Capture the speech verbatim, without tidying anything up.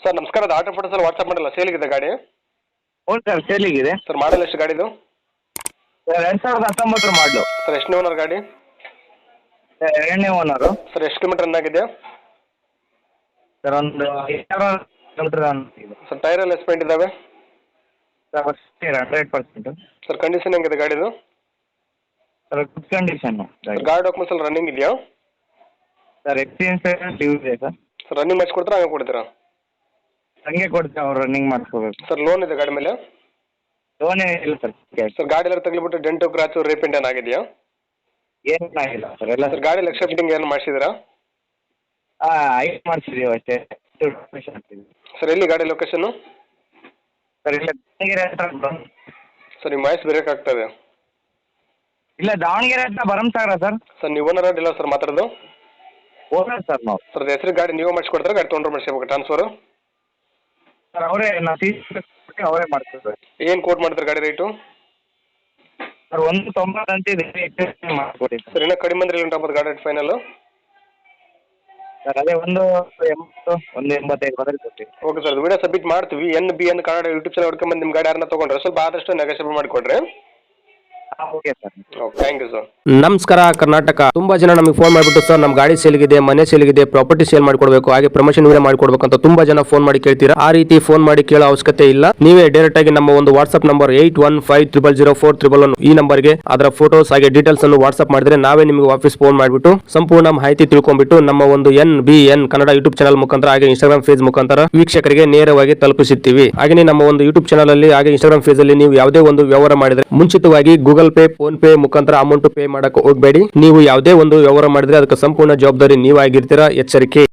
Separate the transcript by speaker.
Speaker 1: Sir ನಮಸ್ಕಾರ, ಅದು auto ಫೋಟೋಸಲ್ಲಿ WhatsApp ಮಾಡಲ್ಲ, ಸೇಲಿಗಿದೆ ಗಾಡಿ.
Speaker 2: ಹ್ಞೂ ಸರ್ ಸೇಲಿಗಿದೆ.
Speaker 1: ಸರ್ ಮಾಡಲ್ ಎಷ್ಟು ಗಾಡಿದು?
Speaker 2: ಸರ್ ಎರಡು ಸಾವಿರದ ಹತ್ತೊಂಬತ್ತರ ಮಾಡಲು.
Speaker 1: ಸರ್ ಎಷ್ಟನೇ ಓನರ್ ಗಾಡಿ?
Speaker 2: ಸರ್ ಎರಡನೇ ಓನರು.
Speaker 1: ಸರ್ ಎಷ್ಟು ಕಿಲೋಮೀಟರ್ ರನ್ ಆಗಿದೆ?
Speaker 2: ಸರ್ ಒಂದು ಎರಡು ಕಿಲೋಮೀಟರ್ ಇದೆ.
Speaker 1: ಸರ್ ಟೈರ್ ಎಲ್ಲ ಎಸ್ಪೆಂಟ್ ಇದ್ದಾವೆ?
Speaker 2: Sir first hundred percent.
Speaker 1: Sir condition ಹೆಂಗಿದೆ ಗಾಡಿದು?
Speaker 2: Sir good condition.
Speaker 1: ಸರ್ ಗಾಡಿ ಡಾಕ್ಯುಮೆಂಟ್ಸ್ ಎಲ್ಲ ರನ್ನಿಂಗ್ ಇದೆಯಾ?
Speaker 2: ಸರ್ ಎಕ್ಸ್ಪೀರಿಯನ್ಸ್ ಡ್ಯೂ ಇದೆ ಸರ್.
Speaker 1: ಸರ್ ರನ್ನಿಂಗ್ ಮಾಡಿಸ್ಕೊಡ್ತೀರಾ ಹಂಗೆ ಕೊಡ್ತೀರಾ?
Speaker 2: ಹಂಗೆ ಕೊಡ್ತೀವಿ, ಅವ್ರು ರನ್ನಿಂಗ್ ಮಾಡಿಸ್ಕೋಬೇಕು.
Speaker 1: ಸರ್ ಲೋನ್ ಇದೆ ಗಾಡಿ ಮೇಲೆ?
Speaker 2: ಲೋನೇ ಇಲ್ಲ ಸರ್.
Speaker 1: ಸರ್ ಗಾಡಿ ಎಲ್ಲ ತಗ್ಲಿಬಿಟ್ಟು ಡೆಂಟು ಕ್ರಾಚು ರೀಪೇಂಟ್ ಏನು ಆಗಿದೆಯಾ?
Speaker 2: ಏನಾಗಿಲ್ಲ ಸರ್. ಎಲ್ಲ
Speaker 1: ಸರ್ ಗಾಡಿ ಲಕ್ಷ ಫಿಟ್ಟಿಂಗ್ ಏನು ಮಾಡಿಸಿದ್ದೀರಾ?
Speaker 2: ಹಾಂ ಐದು ಮಾಡಿಸಿದ್ದೀವಿ ಅಷ್ಟೇ.
Speaker 1: ಸರ್ ಎಲ್ಲಿ ಗಾಡಿ ಲೊಕೇಶನ್ನು?
Speaker 2: ಸರ್ ಇಲ್ಲ ದಾವಣಗೆರೆ ಹತ್ರ ಬರಮ್.
Speaker 1: ಸರ್ ನಿಮ್ಮ ವಾಯ್ಸ್ ಬ್ರೇಕ್ ಆಗ್ತದೆ.
Speaker 2: ಇಲ್ಲ ದಾವಣಗೆರೆ ಹತ್ರ ಭರಮಸಾಗರ ಸರ್.
Speaker 1: ಸರ್ ನೀವು ಓನರ್ ಇಲ್ಲ ಸರ್ ಮಾತಾಡೋದು?
Speaker 2: ಓನರ್ ಸರ್ ನಾವು.
Speaker 1: ಸರ್ ಹೆಸರು ಗಾಡಿ ನೀವು ಮಾಡಿಸ್ಕೊಡ್ತಾರೆ, ಗಾಡಿ ತೊಗೊಂಡ್ರೆ ಮಾಡಿಸ್ಬೇಕು ಟ್ರಾನ್ಸ್ಫರು?
Speaker 2: ಸರ್ ಅವರೇ ನಾವು ಸಿ ಅವರೇ ಮಾಡ್ತೀವಿ.
Speaker 1: ಏನು ಕೋಟ್ ಮಾಡ್ತಾರೆ ಗಾಡಿ ರೇಟು?
Speaker 2: ಸರ್ ಒಂದು ತೊಂಬತ್ತು ಅಂತಿದೆ, ಮಾಡಿಕೊಡಿ
Speaker 1: ಸರ್ ಇನ್ನೂ ಕಡಿಮೆ ಅಂದ್ರೆ ಇಲ್ಲ ಗಾಡಿ ರೇಟ್ ಫೈನಲ್?
Speaker 2: ಸರ್ ಅದೇ ಒಂದು ಎಂಬತ್ತು ಒಂದು ಎಂಬತ್ತೈದು ಬಂದರೆ ಕೊಡ್ತೀವಿ.
Speaker 1: ಓಕೆ ಸರ್, ವಿಡಿಯೋ ಸಬ್ಮಿಟ್ ಮಾಡ್ತೀವಿ. N B N Kannada YouTube channel ಹುಡ್ಕೊಂಬಂದು ನಿಮ್ಮ ಗಾಡಿ ಯಾರನ್ನ ತೊಗೊಂಡ್ರೆ ಸ್ವಲ್ಪ ಆದಷ್ಟು ನೆಗೋಷಿಯೇಟ್ ಮಾಡಿಕೊಡ್ರಿ.
Speaker 2: Okay sir.
Speaker 1: Okay, thank you sir.
Speaker 3: ನಮಸ್ಕಾರ ಕರ್ನಾಟಕ. ತುಂಬಾ ಜನ ನಮಗೆ ಫೋನ್ ಮಾಡಿಬಿಟ್ಟು ಸರ್ ನಮ್ಮ ಗಾಡಿ ಸೇಲ್ಗಿದೆ, ಮನೆ ಸೇಲ್ಗಿದೆ, ಪ್ರಾಪರ್ಟಿ ಸೇಲ್ ಮಾಡ್ಕೊಡ್ಬೇಕು, ಹಾಗೆ ಪ್ರಮೋಷನ್ ವೀಡಿಯೋ ಮಾಡ್ಕೊಡ್ಬೇಕು ಅಂತ ತುಂಬಾ ಜನ ಫೋನ್ ಮಾಡಿ ಕೇಳ್ತೀರಾ. ಆ ರೀತಿ ಫೋನ್ ಮಾಡಿ ಕೇಳೋ ಅವಶ್ಯಕತೆ ಇಲ್ಲ. ನೀವೇ ಡೈರೆಕ್ಟ್ ಆಗಿ ನಮ್ಮ ಒಂದು WhatsApp number eight one five triple zero four triple one ಈ ನಂಬರ್ಗೆ ಅದರ ಫೋಟೋಸ್ ಹಾಗೆ ಡೀಟೇಲ್ಸ್ ಅನ್ನು ವಾಟ್ಸ್ಆಪ್ ಮಾಡಿದ್ರೆ ನಾವೇ ನಿಮಗೆ ವಾಪಸ್ ಫೋನ್ ಮಾಡಿಬಿಟ್ಟು ಸಂಪೂರ್ಣ ಮಾಹಿತಿ ತಿಳ್ಕೊಂಡ್ಬಿಟ್ಟು ನಮ್ಮ ಒಂದು N B N Kannada YouTube channel ಮುಖಾಂತರ ಹಾಗೆ ಇನ್ಸ್ಟಾಗ್ರಾಮ್ ಫೇಸ್ ಮುಖಾಂತರ ವೀಕ್ಷಕರಿಗೆ ನೇರವಾಗಿ ತಲುಪಿಸುತ್ತೀವಿ. ಹಾಗೆ ನಮ್ಮ ಒಂದು ಯೂಟ್ಯೂಬ್ ಚಾನಲ್ ಅಲ್ಲಿ ಹಾಗೆ ಇನ್ಸ್ಟಾಗ್ರಾಮ್ ಫೇಸ್ ಅಲ್ಲಿ ನೀವು ಯಾವುದೇ ಒಂದು ವ್ಯವಹಾರ ಮಾಡಿದ್ರೆ ಮುಂಚಿತವಾಗಿ ಗೂಗಲ್ ಪೇ, ಫೋನ್ ಪೇ ಮುಖಾಂತರ ಅಮೌಂಟ್ ಪೇ ಮಾಡಕ್ಕೆ ಹೋಗಬೇಡಿ. ನೀವು ಯಾವುದೇ ಒಂದು ವ್ಯವಹಾರ ಮಾಡಿದ್ರೆ ಅದಕ್ಕೆ ಸಂಪೂರ್ಣ ಜವಾಬ್ದಾರಿ ನೀವಾಗಿರ್ತೀರಾ. ಎಚ್ಚರಿಕೆ.